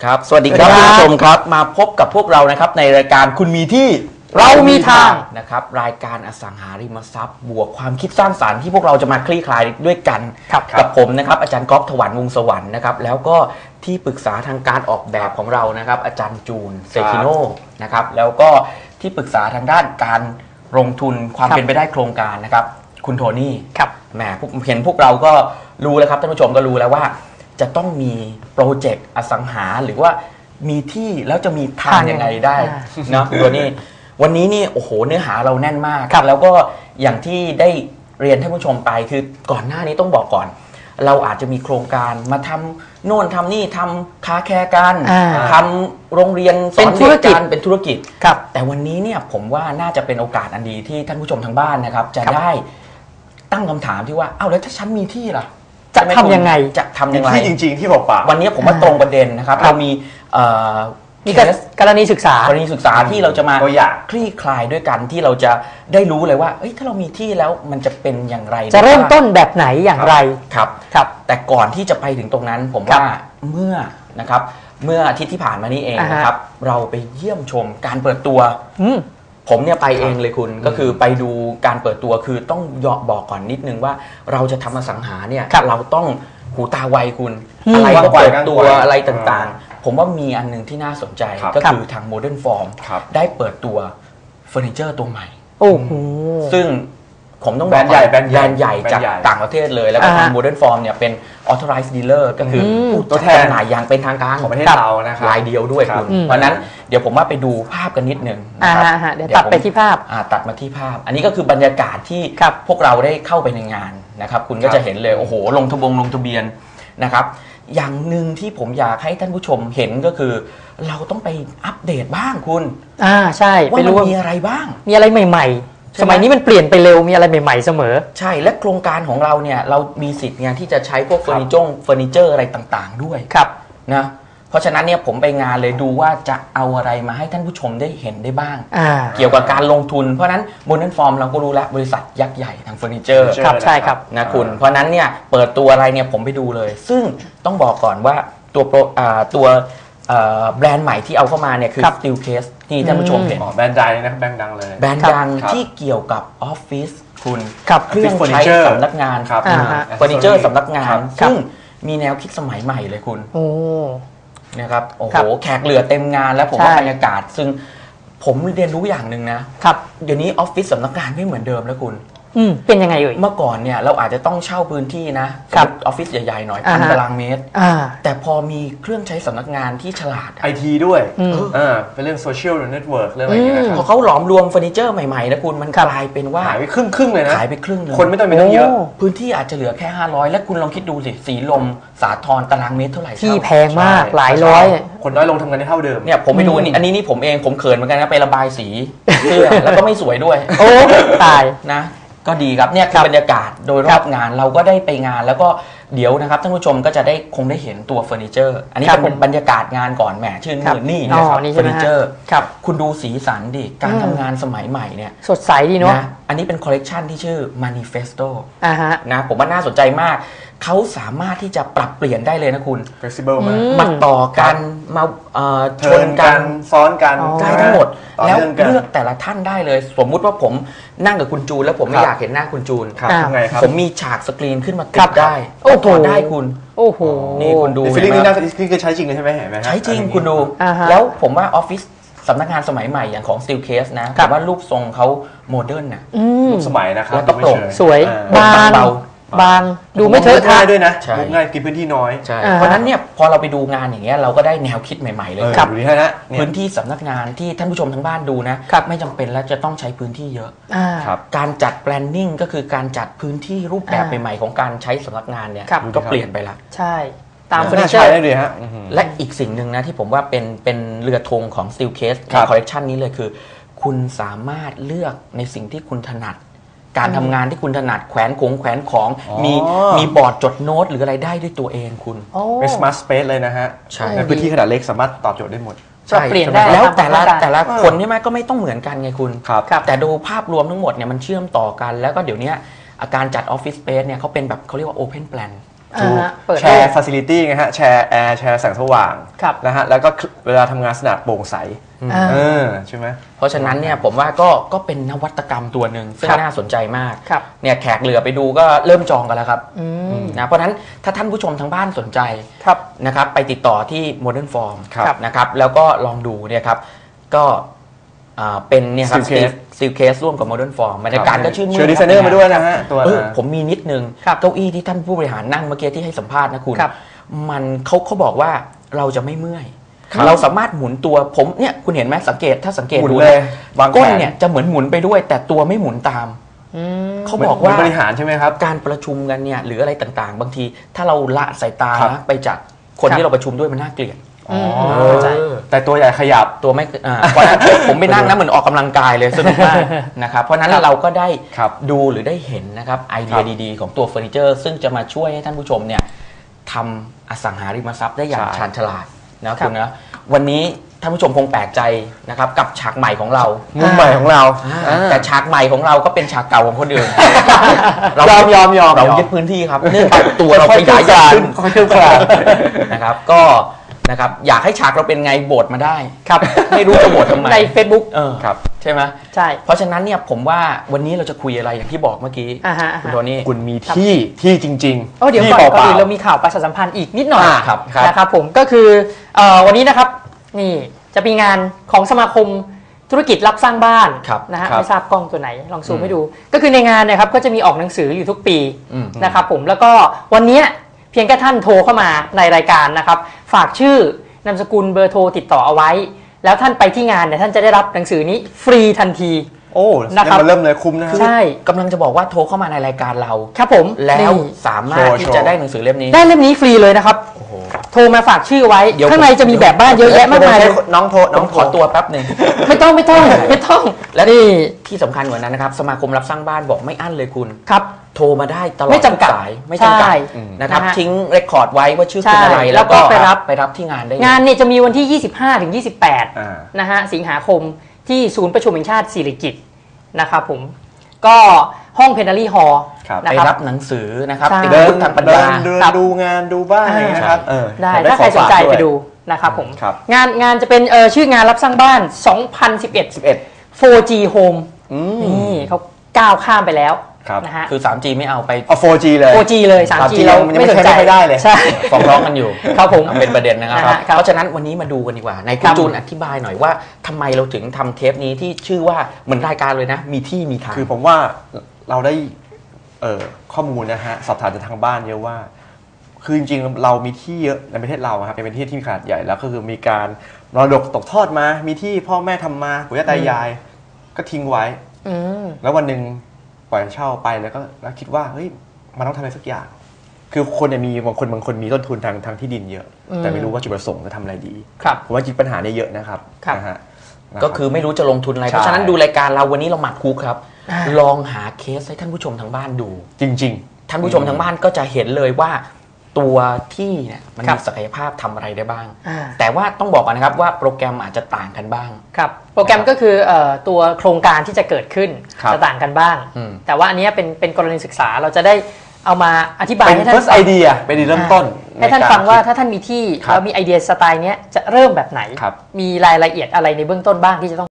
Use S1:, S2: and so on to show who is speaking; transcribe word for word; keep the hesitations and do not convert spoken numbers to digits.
S1: ครับสวัสดีครับคุณผู้ชมครับมาพบกับพวกเรานะครับในรายการคุณมีที่
S2: เรามีทาง
S1: นะครับรายการอสังหาริมทรัพย์บวกความคิดสร้างสรรค์ที่พวกเราจะมาคลี่คลายด้วยกันกับผมนะครับอาจารย์ก๊อฟถวันวงศ์สวรรค์นะครับแล้วก็ที่ปรึกษาทางการออกแบบของเรานะครับอาจารย์จูนเซคิโนนะครับแล้วก็ที่ปรึกษาทางด้านการลงทุนความเป็นไปได้โครงการนะครับคุณโทนี่ครับแหมเห็นพวกเราก็รู้แล้วครับท่านผู้ชมก็รู้แล้วว่าจะต้องมีโปรเจกต์อสังหาหรือว่ามีที่แล้วจะมีทางยังไงได้นะคุณโทนี่วันนี้นี่โอ้โหเนื้อหาเราแน่นมากแล้วก็อย่างที่ได้เรียนท่านผู้ชมไปคือก่อนหน้านี้ต้องบอกก่อนเราอาจจะมีโครงการมาทำโน่นทำนี่ทำค้าแค่กันทำโรงเรียนสอนเด็กกันเป็นธุรกิจแต่วันนี้เนี่ยผมว่าน่าจะเป็นโอกาสอันดีที่ท่านผู้ชมทางบ้านนะครับจะได้ตั้งคำถามที่ว่าเอ้าแล้วถ้าฉันมีที่ล่ะ
S2: จะทำยังไง
S1: จะทำยังไง
S3: ที่จริงๆที่บอกป่า
S1: วันนี้ผมว่าตรงประเด็นนะครับเรามี
S2: มีกรณีศึกษาก
S1: รณีศึกษาที่เราจะมาคลี่คลายด้วยกันที่เราจะได้รู้เลยว่าเอ้ยถ้าเรามีที่แล้วมันจะเป็นอย่างไร
S2: จะเริ่มต้นแบบไหนอย่างไร
S1: ครับครับแต่ก่อนที่จะไปถึงตรงนั้นผมว่าเมื่อนะครับเมื่ออาทิตย์ที่ผ่านมานี้เองนะครับเราไปเยี่ยมชมการเปิดตัวผมเนี่ยไปเองเลยคุณก็คือไปดูการเปิดตัวคือต้องยอบอกก่อนนิดนึงว่าเราจะทำอสังหาเนี่ยเราต้องหูตาไวคุณอะไรก็เปิดตัวอะไรต่างๆผมว่ามีอันนึงที่น่าสนใจก็คือทาง Modern Form ได้เปิดตัวเฟอร์นิเจอร์ตัวใหม่โอ้โหซึ่งผมต้องบอกแบรนด์ใหญ่แบรนด์ใหญ่จากต่างประเทศเลยแล้วก็ทาง Modern Form เนี่ยเป็น Authorized Dealer ก็คือตัวแทนจำหน่ายอย่างเป็นทางการ
S3: ของประเทศเรานะครับ
S1: รายเดียวด้วยคุณเพราะนั้นเดี๋ยวผมว่าไปดูภาพกันนิดนึง
S2: นะครับเดี๋ยวตัดไปที่ภาพ
S1: ตัดมาที่ภาพอันนี้ก็คือบรรยากาศที่พวกเราได้เข้าไปในงานนะครับคุณก็จะเห็นเลยโอ้โหลงทะบงลงทะเบียนนะครับอย่างหนึ่งที่ผมอยากให้ท่านผู้ชมเห็นก็คือเราต้องไปอัปเดตบ้างคุณ
S2: อ่าใช่
S1: ว่ามันมีอะไรบ้าง
S2: มีอะไรใหม่ๆสมัยนี้มันเปลี่ยนไปเร็วมีอะไรใหม่ๆเสมอ
S1: ใช่และโครงการของเราเนี่ยเรามีสิทธิ์งานที่จะใช้พวกเฟอร์นิเจอร์เฟอร์นิเจอร์อะไรต่างๆด้วย
S2: ครับ
S1: นะเพราะฉะนั้นเนี่ยผมไปงานเลยดูว่าจะเอาอะไรมาให้ท่านผู้ชมได้เห็นได้บ้างเกี่ยวกับการลงทุนเพราะนั้นบนนั้นฟอร์มเราก็รู้แล้วบริษัทยักษ์ใหญ่ทางเฟอร์นิเจอร์
S2: ครับใช่ครับ
S1: นะคุณเพราะนั้นเนี่ยเปิดตัวอะไรเนี่ยผมไปดูเลยซึ่งต้องบอกก่อนว่าตัวโปรตัวแบรนด์ใหม่ที่เอาเข้ามาเนี่ยคือ Steelcase ที่ท่านผู้ชมเห็น
S3: แบรนด์ดังนะแบรนด์ดังเลย
S1: แบรนด์ดังที่เกี่ยวกับออฟฟิศคุณเครื่องใช้สำนักงานเฟอร์นิเจอร์สำนักงานซึ่งมีแนวคิดสมัยใหม่เลยคุณนะครับโอ้โหแขกเหลือเต็มงานแล้วผมว่าบรรยากาศซึ่งผมเรียนรู้อย่างหนึ่งนะครับเดี๋ยวนี้ออฟฟิศสำนักงานไม่เหมือนเดิมแล้วคุณ
S2: เป็นยังไงเอ่ย
S1: เมื่อก่อนเนี่ยเราอาจจะต้องเช่าพื้นที่นะออฟฟิศใหญ่ๆหน่อยพันตารางเมตรแต่พอมีเครื่องใช้สำนักงานที่ฉลาด
S3: ไอทีด้วยเป็นเรื่องโซเชียลเน็ตเวิร์กเรื่องอะไรอย่างเงี้ย
S1: พอเขาหลอมรวมเฟอร์นิเจอร์ใหม่ๆนะคุณมันกลายเป็นว่า
S3: หายไปครึ่งครึ่งเลยนะ
S1: หายไปครึ่งนึง
S3: คนไม่ต้องมีตั้งเยอะ
S1: พื้นที่อาจจะเหลือแค่ห้าร้อยและคุณลองคิดดูสิสีลมสาทรตารางเมตรเท่าไหร่
S2: ที่แพงมากหลายร้อย
S3: คนน้อยลงทำงานได้เท่าเดิม
S1: เนี่ยผมไปดูอันนี้อันนี้นี่ผมเองผมเขินเหมือนกันนะไประบายสีเสื้อแล้วก็ไม่สวยด้วย
S2: โอ้ตาย
S1: นะก็ดีครับเนี่ยคือบรรยากาศโดยรอบงานเราก็ได้ไปงานแล้วก็เดี๋ยวนะครับท่านผู้ชมก็จะได้คงได้เห็นตัวเฟอร์นิเจอร์อันนี้เป็นบรรยากาศงานก่อนแหมชื่นมื่นนี่นะครับเฟอร์นิเจอร์คุณดูสีสันดิการทำงานสมัยใหม่เนี่ย
S2: สดใสดีเนาะ
S1: อันนี้เป็นคอลเลกชันที่ชื่อ Manifesto นะผมว่าน่าสนใจมากเขาสามารถที่จะปรับเปลี่ยนได้เลยนะคุณ
S3: flexible มาก
S1: มาต่อกันมาชนกัน
S3: ซ้อนกัน
S1: ได้ทั้งหมดแล้วเลือกแต่ละท่านได้เลยสมมุติว่าผมนั่งกับคุณจูนแล้วผมไม่อยากเห็นหน้าคุณจูนผมมีฉากสกรีนขึ้นมาติดได้โอ้โหได้คุณ
S2: โอ้โห
S1: นี่คุณดู
S3: ฟีลลิ่งนี้น่าจะใช้จริงเลยใช่ไหมเห็นไหม
S1: ใช้จริงคุณดูแล้วผมว่าออฟฟิศสำนักงานสมัยใหม่อย่างของ Steelcase นะผมว่ารูปทรงเขาโมเดิร์นนะ
S3: รูปสมัยนะครับ
S1: แล้วก็โปร่ง
S2: สวยบางเบาบางดูไม่เทอะทะ
S3: ด้วยนะง่ายกินพื้นที่น้อย
S1: เพราะนั้นเนี่ยพอเราไปดูงานอย่างเงี้ยเราก็ได้แนวคิดใหม่ๆเลย
S3: ครับดูนี่นะ
S1: พื้นที่สำนักงานที่ท่านผู้ชมทั้งบ้านดูนะไม่จำเป็นแล้วจะต้องใช้พื้นที่เยอะการจัด planning ก็คือการจัดพื้นที่รูปแบบใหม่ๆของการใช้สำนักงานเนี่ยก็เปลี่ยนไปแล้ว
S2: ใช่ตาม
S3: เฟอร์นิเจอร์ได้เลยฮะ
S1: และอีกสิ่งหนึ่งนะที่ผมว่าเป็นเป็นเรือธงของ Steelcase ในคอลเลคชันนี้เลยคือคุณสามารถเลือกในสิ่งที่คุณถนัดการทำงานที่คุณถนัดแขวนของแขวนของมีมีบอร์ดจดโน้ตหรืออะไรได้ด้วยตัวเองคุณ
S3: เป็น smart space เลยนะฮะในพื้นที่ขนาดเล็กสามารถตอบโจทย์ได้หมด
S2: ใช่เปลี่ยนได้
S1: แล้วแต่ละแต่ละคนใช่ไหมก็ไม่ต้องเหมือนกันไงคุณแต่ดูภาพรวมทั้งหมดเนี่ยมันเชื่อมต่อกันแล้วก็เดี๋ยวนี้อาการจัดออฟฟิศสเปซเนี่ยเขาเป็นแบบเขาเรียกว่า open plan
S2: อ่าฮะเปิด
S3: แชร์ฟ a ซิลิตี้ไงฮะแชร์แอร์แชร์แสงสว่าง
S2: ครับ
S3: นะฮะแล้วก็เวลาทำงานสนามโปร่งใส
S2: อ่า
S3: เออใช่ไหม
S1: เพราะฉะนั้นเนี่ยผมว่าก็ก็เป็นนวัตกรรมตัวหนึ่งซึ่ง
S2: ครับ
S1: น่าสนใจมาก
S2: ครับ
S1: เนี่ยแขกเหลือไปดูก็เริ่มจองกันแล้วครับ
S2: อืม
S1: นะเพราะฉะนั้นถ้าท่านผู้ชมทางบ้านสนใจ
S2: ครับ
S1: นะครับไปติดต่อที่ Modern Form
S3: ครับ
S1: นะครับแล้วก็ลองดูเนี่ยครับก็อ่าเป็นเนี่ยครับ
S3: Steel Case
S1: ซิลเคสร่วมกับ Modern Form บรรยากาศก็ชื่นมื่น
S3: เชิญดีไซเนอร์มาด้วยนะฮะตัว
S1: เออ
S3: นะ
S1: ผมมีนิดนึง
S2: ครับ
S1: เก้าอี้ที่ท่านผู้บริหารนั่งเมื่อกี้ที่ให้สัมภาษณ์นะคุณ
S2: ครับ
S1: มันเขาเขาบอกว่าเราจะไม่เมื่อย
S3: ครับ
S1: เราสามารถหมุนตัวผมเนี่ยคุณเห็นไหมสังเกตถ้าสังเกต
S3: หมุน
S1: ดู
S3: เลย
S1: นะ
S3: วางแขน
S1: ก้นเนี่ยจะเหมือนหมุนไปด้วย แต่ตัวไม่หมุนตาม
S2: อืม
S1: เขาบอกว่า
S3: เหมืนบริหารใช่ไหมครับ
S1: การประชุมกันเนี่ยหรืออะไรต่างๆ บางทีถ้าเราละสายตา
S3: ครับ
S1: นะไปจากคน
S2: ครับ
S1: ที่เราประชุมด้วยมันน่าเกลียด
S3: อ๋อ
S2: เข้าใจ
S3: แต่ตัวใหญ่ขยับ
S1: ตัวไม่อ่าเพราะฉะนั้นผมไปนั่งนะเหมือนออกกำลังกายเลยสนุกมากนะครับเพราะฉะนั้นเราก็ได้
S3: ครับ
S1: ดูหรือได้เห็นนะครับไอเดี
S3: ค
S1: ย
S3: รับ
S1: ดีๆ ของตัวเฟอร์นิเจอร์ ซึ่งจะมาช่วยให้ท่านผู้ชมเนี่ยทำอสังหาริมทรัพย์ได้อย่าง
S3: ใช่
S1: ชาญฉลาดนะคุณนะวันนี้ท่านผู้ชมคงแปลกใจนะครับกับฉากใหม่ของเรา
S3: มุมใหม่ของเรา
S1: อ่าแต่ฉากใหม่ของเราก็เป็นฉากเก่าของคนอื่น
S3: ยอมยอมยอม
S1: เรา
S3: ยอม
S1: ยึดพื้นที่ครับเนื่องจากตัวเราขยายใหญ่ขึ้น
S3: ค่อยๆเคลื่อนคลาน
S1: นะครับก็นะครับอยากให้ฉากเราเป็นไงโบทมาได้
S2: ครับ
S1: ไม่รู้จะโบททำไม
S2: ใน Facebook
S1: เออ
S3: ครับ
S1: ใช่ไหม
S2: ใช่
S1: เพราะฉะนั้นเนี่ยผมว่าวันนี้เราจะคุยอะไรอย่างที่บอกเมื่อกี้
S2: อ่าฮะอ่า
S1: คุณ
S2: ฮะ
S1: โทนี่
S3: คุณมีที่ที่จริง
S2: โอ้เดี๋ยว
S3: ที่
S2: ก่อน
S3: เป
S2: ก่อน
S3: ล่า
S2: อื่นเรามีข่าวประชาสัมพันธ์อีกนิดหน่อย
S3: อ่าครับครับ
S2: นะครับผมก็คือเอ่อวันนี้นะครับนี่จะมีงานของสมาคมธุรกิจรับสร้างบ้าน
S1: ครับ
S2: นะฮะ
S3: ครับ
S2: ไม่ทราบกล้องตัวไหนลองซูม
S1: อืม
S2: ให้ดู ก็คือในงานเนะครับก็จะมีออกหนังสืออยู่ทุกปี
S1: อืม
S2: นะครับผมแล้วก็วันเนี้ยเพียงแค่ท่านโทรเข้ามาในรายการนะครับฝากชื่อนามสกุลเบอร์โทรติดต่อเอาไว้ แล้วท่านไปที่งานเนี่ยท่านจะได้รับหนังสือนี้ฟรีทันที
S3: โอ้
S2: นะครับ
S3: ยังมาเริ่มเลยคุ้มนะฮะ
S2: ใช่
S1: กำลังจะบอกว่าโทรเข้ามาในรายการเรา
S2: ครับผม
S1: แล้ว
S2: นี่
S1: สามารถ
S3: โชว์
S1: ที่
S3: โชว์
S1: จะได้หนังสือเล่มนี้
S2: ได้เล่มนี้ฟรีเลยนะครับ
S1: โอ้โห
S2: โทรมาฝากชื่อไว้
S1: เดี๋ยว
S2: ข้างในจะมีแบบบ้านเยอะแยะมากมายเลย
S3: น้องโทร
S1: น้
S3: น้
S1: อ
S3: อง ง
S1: ขอตัวแป๊บหนึ่ง
S2: ไม่ต้องไม่ต้องไม่ต้อง
S1: และ
S2: นี่
S1: ที่สำคัญกว่านั้นนะครับสมาคมรับสร้างบ้านบอกไม่อั้นเลยคุณ
S2: ครับ
S1: โทรมาได้ตลอด
S2: ไม่จำกัด
S1: ทุสายไม่จำกัด
S2: ใช่
S1: นะครับ
S2: นะฮะ
S1: ทิ้งเรคคอร์ดไว้ว่าชื่อคุณ
S2: ใช่
S1: อะไร
S2: แล้วก็ไปรับ
S1: ไปรับที่งานได้เลย
S2: งานเนี่ยจะมีวันที่ ยี่สิบห้าถึงยี่สิบแปด
S3: อ่า
S2: นะฮะสิงหาคมที่ศูนย์ประชุมแห่งชาติสิริกิติ์นะครับผมก็ห้องเพนนารีฮอลล์
S3: ครับ
S2: นะ
S1: ไป
S2: ครับ
S1: รับหนังสือนะครับ
S2: ใช่
S1: ติด
S3: เดิ
S1: พุ
S3: น
S1: ทธทางปัญ
S3: เดิ
S1: ญา
S3: นเดิน
S2: ครับ
S3: ดูงานดูบ้านอะไรอย่างเงี้ยนะครับเออ
S2: ได้
S3: แถม
S2: ถ้าใครสนใจ
S3: ของฝาก
S2: ไป
S3: วย
S2: ดูนะครับผม
S3: ครับ
S2: งานงานจะเป็นเออชื่องานรับสร้างบ้าน สองพันสิบเอ็ด
S3: สิบเอ็ด
S2: โฟร์จี Home
S3: อืม
S2: นี่เขาก้าวข้ามไปแล้ว
S3: ครับ
S2: นะฮะ
S1: คือ ทรีจี ไม่เอาไป
S3: เอา โฟร์จี เลย
S2: โฟร์จี เลย ทรีจี
S3: ยัง
S2: เรา
S3: ยัง
S2: ไม่สนใจ
S3: ไม่ใช้ได้เลย
S2: ใช่
S1: ฟ้องร้องกันอยู่
S2: ครับผม
S1: เป็นประเด็นนะครับ
S2: นะฮะครับ
S1: เพราะฉะนั้นวันนี้มาดูกันดีกว่าในคุ
S2: ครั
S1: ณ
S2: บ
S1: จูนอธิบายหน่อยว่าทำไมเราถึงทำเทปนี้ที่ชื่อว่าเหมือนรายการเลยนะ มีที่มีทาง
S3: คือผมว่าเราได้เอ่อข้อมูลนะฮะสอบถามจากทางบ้านเยอะว่า คือจริงๆเรามีที่เยอะในประเทศเราอะครับเป็นประเทศที่มีขนาดใหญ่แล้วก็คือมีการมรดกตกทอดมา มีที่พ่อแม่ทำมาปู่ย่าตายาย ก็ทิ้งไว้
S2: อืม
S3: แล้ววันหนึ่งปล่อยเช่าไปแล้วก็แล้วคิดว่าเฮ้ยมันต้องทำอะไรสักอย่าง คือคนเนี่ยมีบางคนบางคนมีต้นทุนทางทางที่ดินเยอะ
S2: อืม
S3: แต่ไม่รู้ว่าจุดประสงค์จะทำอะไรดี
S2: ครับ
S3: ผมว่าจริงปัญหาเนี่ยเยอะนะครับ
S2: ครับ
S3: นะฮะ
S1: ก็คือไม่รู้จะลงทุนอะไร
S3: ใช่
S1: เพราะฉะนั้นดูรายการเราวันนี้เราหมักคุกครับ
S2: อ่า
S1: ลองหาเคสให้ท่านผู้ชมทางบ้านดู
S3: จริง
S1: ท่านผู้ชมทางบ้านก็จะเห็นเลยว่าตัวที่เนี่ยมัน
S2: ครั
S1: มี
S2: บ
S1: ศักยภาพทำอะไรได้บ้าง
S2: อ่า
S1: แต่ว่าต้องบอกก่อนนะครับว่าโปรแกรมอาจจะต่างกันบ้าง
S2: ครับโปรแกรมก็คือเอ่อตัวโครงการที่จะเกิดขึ้น
S3: ครับ
S2: จะต่างกันบ้าง
S1: อืม
S2: แต่ว่าอันเนี้ยเป็นเป็นกรณีศึกษาเราจะได้เอามาอธิ
S3: ๆ
S2: บาย
S3: เป็น
S2: ให้ท่าน
S3: first
S2: ฟัง
S3: idea เป็นเริ่มต้น
S2: ให้ท่าน
S3: ใกร
S2: ฟังว่า
S3: คิด
S2: ถ้าท่านมีที่
S3: ครับ
S2: แล้วมีไอเดียสไตล์เนี้ยจะเริ่มแบบไหน
S3: ครับ
S2: มีรายละเอียดอะไรในเบื้องต้นบ้างที่จะต้อง